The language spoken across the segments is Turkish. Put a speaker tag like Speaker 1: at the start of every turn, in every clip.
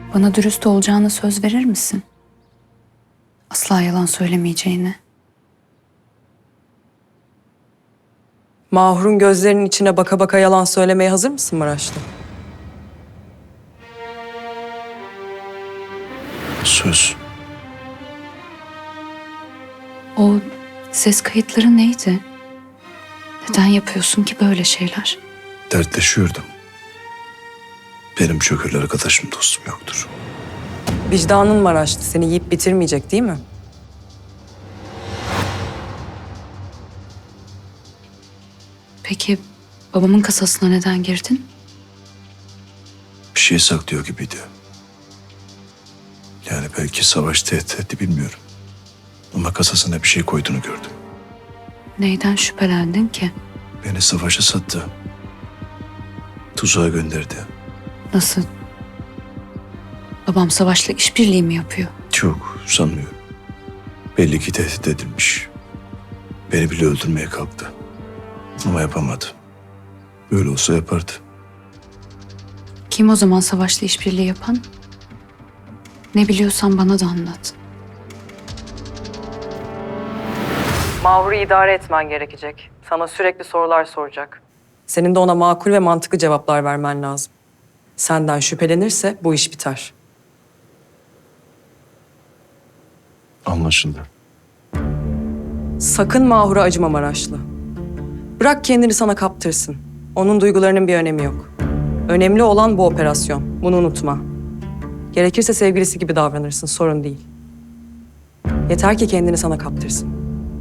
Speaker 1: Bana dürüst olacağına söz verir misin? Asla yalan söylemeyeceğini.
Speaker 2: Mahur'un gözlerinin içine baka baka yalan söylemeye hazır mısın Maraşlı?
Speaker 3: Söz.
Speaker 1: O ses kayıtları neydi? Neden yapıyorsun ki böyle şeyler?
Speaker 3: Dertleşiyordum. Benim çok öyle arkadaşım, dostum yoktur.
Speaker 2: Vicdanın Maraşlı seni yiyip bitirmeyecek değil mi?
Speaker 1: Peki babamın kasasına neden girdin?
Speaker 3: Bir şey saklıyor gibiydi. Yani belki savaş tehdit etti, bilmiyorum. Ama kasasına bir şey koyduğunu gördüm.
Speaker 1: Neyden şüphelendin ki?
Speaker 3: Beni savaşa sattı. Tuzağa gönderdi.
Speaker 1: Nasıl? Babam savaşla işbirliği mi yapıyor?
Speaker 3: Çok sanmıyorum. Belli ki tehdit edilmiş. Beni bile öldürmeye kalktı. Ama yapamadı. Böyle olsa yapardı.
Speaker 1: Kim o zaman savaşla işbirliği yapan? Ne biliyorsan bana da anlat.
Speaker 2: Mahur'u idare etmen gerekecek. Sana sürekli sorular soracak. Senin de ona makul ve mantıklı cevaplar vermen lazım. Senden şüphelenirse bu iş biter.
Speaker 3: Anlaşıldı.
Speaker 2: Sakın Mahur'a acıma Maraşlı. Bırak kendini sana kaptırsın. Onun duygularının bir önemi yok. Önemli olan bu operasyon. Bunu unutma. Gerekirse sevgilisi gibi davranırsın, sorun değil. Yeter ki kendini sana kaptırsın.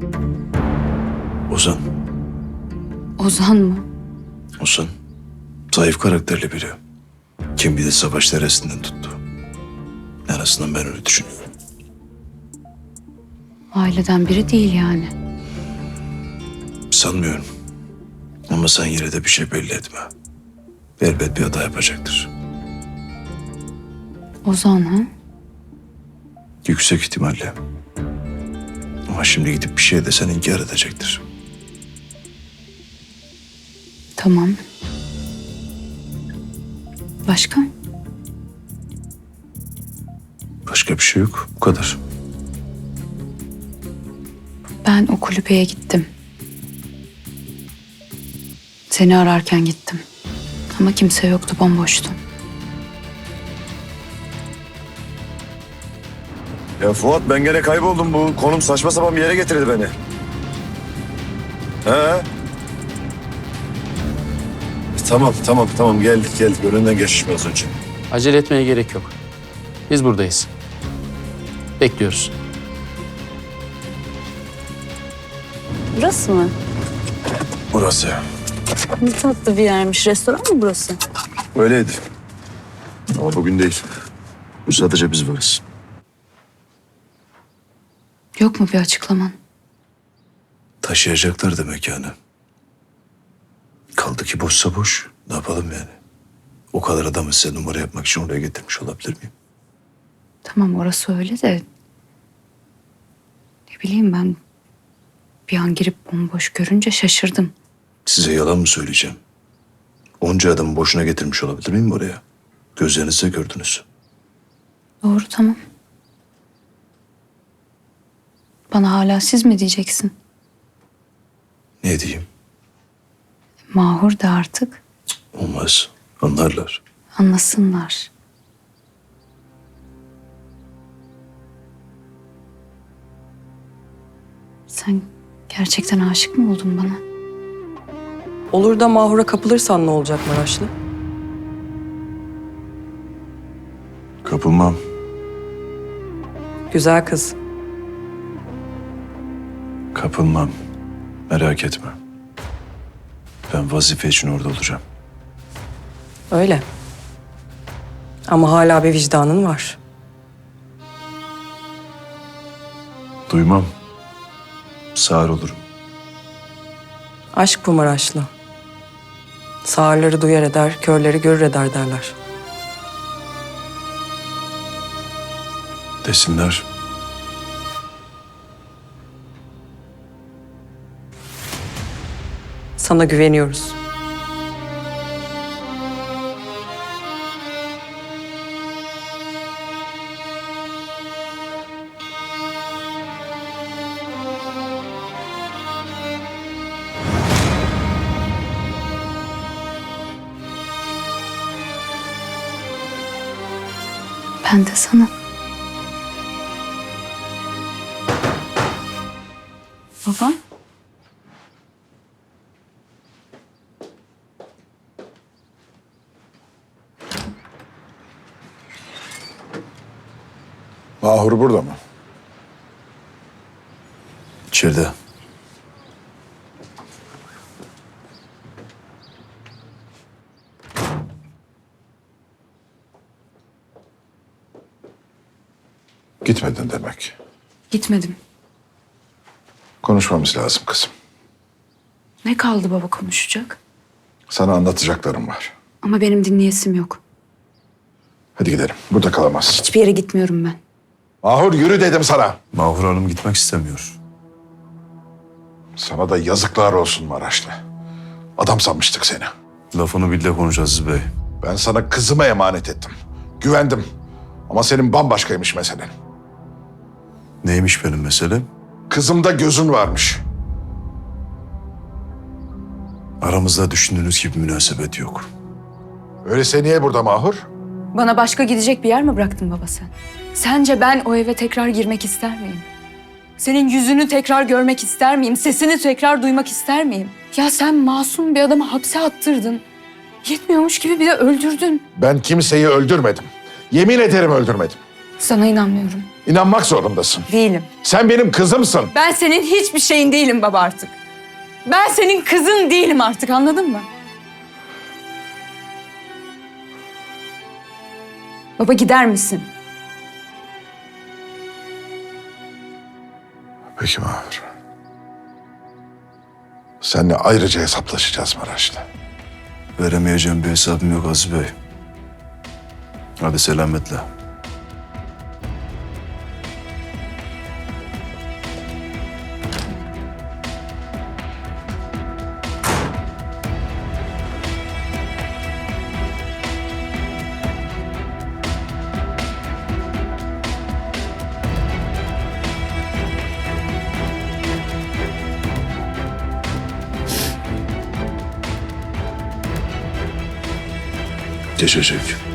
Speaker 3: Ozan.
Speaker 1: Ozan mı?
Speaker 3: Ozan. Zayıf karakterli biri. Kim bilir savaş neresinden tuttu. En azından ben öyle düşünüyorum.
Speaker 1: Aileden biri değil yani.
Speaker 3: Sanmıyorum. Ama sen yine de bir şey belli etme. Elbet bir hata yapacaktır.
Speaker 1: Ozan ha?
Speaker 3: Yüksek ihtimalle. Ama şimdi gidip bir şey desen inkar edecektir.
Speaker 1: Tamam. Başka?
Speaker 3: Başka bir şey yok. Bu kadar.
Speaker 1: Ben o kulübeye gittim. Seni ararken gittim. Ama kimse yoktu, bomboştu.
Speaker 4: Ya Fuat, ben gene kayboldum. Bu konum saçma sapan bir yere getirdi beni. He? Tamam geldik. Önünden geçmiş biraz önce.
Speaker 5: Acele etmeye gerek yok. Biz buradayız. Bekliyoruz.
Speaker 6: Burası mı?
Speaker 3: Burası.
Speaker 6: Ne tatlı bir yermiş. Restoran mı burası?
Speaker 3: Öyleydi. Ama bugün değil. Sadece biz varız.
Speaker 1: Yok mu bir açıklaman?
Speaker 3: Taşıyacaklar da mekanı. Kaldı ki boşsa boş. Ne yapalım yani? O kadar adamı size numara yapmak için oraya getirmiş olabilir miyim?
Speaker 1: Tamam, orası öyle de... Ne bileyim ben... Bir an girip bomboş görünce şaşırdım.
Speaker 3: Size yalan mı söyleyeceğim? Onca adamı boşuna getirmiş olabilir miyim oraya? Gözlerinizle gördünüz.
Speaker 1: Doğru, tamam. Bana hala siz mi diyeceksin?
Speaker 3: Ne diyeyim?
Speaker 1: Mahur da artık
Speaker 3: Olmaz. Anlarlar.
Speaker 1: anlasınlar. Sen gerçekten aşık mı oldun bana?
Speaker 2: Olur da Mahur'a kapılırsan ne olacak Maraşlı?
Speaker 3: Kapılmam.
Speaker 2: Güzel kız.
Speaker 3: Kapılmam. Merak etme. Ben vazife için orada olacağım.
Speaker 2: Öyle. Ama hala bir vicdanın var.
Speaker 3: Duymam. Sağır olurum.
Speaker 2: Aşk bu Maraşlı. Sağırları duyar eder, körleri görür eder derler.
Speaker 3: Desinler.
Speaker 2: Sana güveniyoruz.
Speaker 1: Ben de sana.
Speaker 6: Baba.
Speaker 7: Mahur burada mı?
Speaker 3: İçeride.
Speaker 7: Gitmedin demek.
Speaker 1: Gitmedim.
Speaker 7: Konuşmamız lazım kızım.
Speaker 1: Ne kaldı baba konuşacak?
Speaker 7: Sana anlatacaklarım var.
Speaker 1: Ama benim dinleyesim yok.
Speaker 7: Hadi gidelim. Burada kalamazsın.
Speaker 1: Hiçbir yere gitmiyorum ben.
Speaker 7: Mahur yürü dedim sana.
Speaker 3: Mahur Hanım gitmek istemiyor.
Speaker 7: Sana da yazıklar olsun Maraşlı. Adam sanmıştık seni.
Speaker 3: Lafını bil de konuş Aziz Bey.
Speaker 7: Ben sana kızımı emanet ettim. Güvendim. Ama senin bambaşkaymış meselen.
Speaker 3: Neymiş benim meselem?
Speaker 7: Kızımda gözün varmış.
Speaker 3: Aramızda düşündüğünüz gibi münasebet yok.
Speaker 7: Öyleyse niye burada Mahur?
Speaker 1: Bana başka gidecek bir yer mi bıraktın baba sen? Sence ben o eve tekrar girmek ister miyim? Senin yüzünü tekrar görmek ister miyim? Sesini tekrar duymak ister miyim? Ya sen masum bir adamı hapse attırdın. Yetmiyormuş gibi bir de öldürdün.
Speaker 7: Ben kimseyi öldürmedim. Yemin ederim öldürmedim.
Speaker 1: Sana inanmıyorum.
Speaker 7: İnanmak zorundasın.
Speaker 1: Değilim.
Speaker 7: Sen benim kızımsın.
Speaker 1: Ben senin hiçbir şeyin değilim baba artık. Ben senin kızın değilim artık, anladın mı? Baba gider misin?
Speaker 7: Peki Mahur. Seninle ayrıca hesaplaşacağız Maraşlı.
Speaker 3: Veremeyeceğim bir hesabım yok Aziz Bey. Hadi selametle. Geçecek.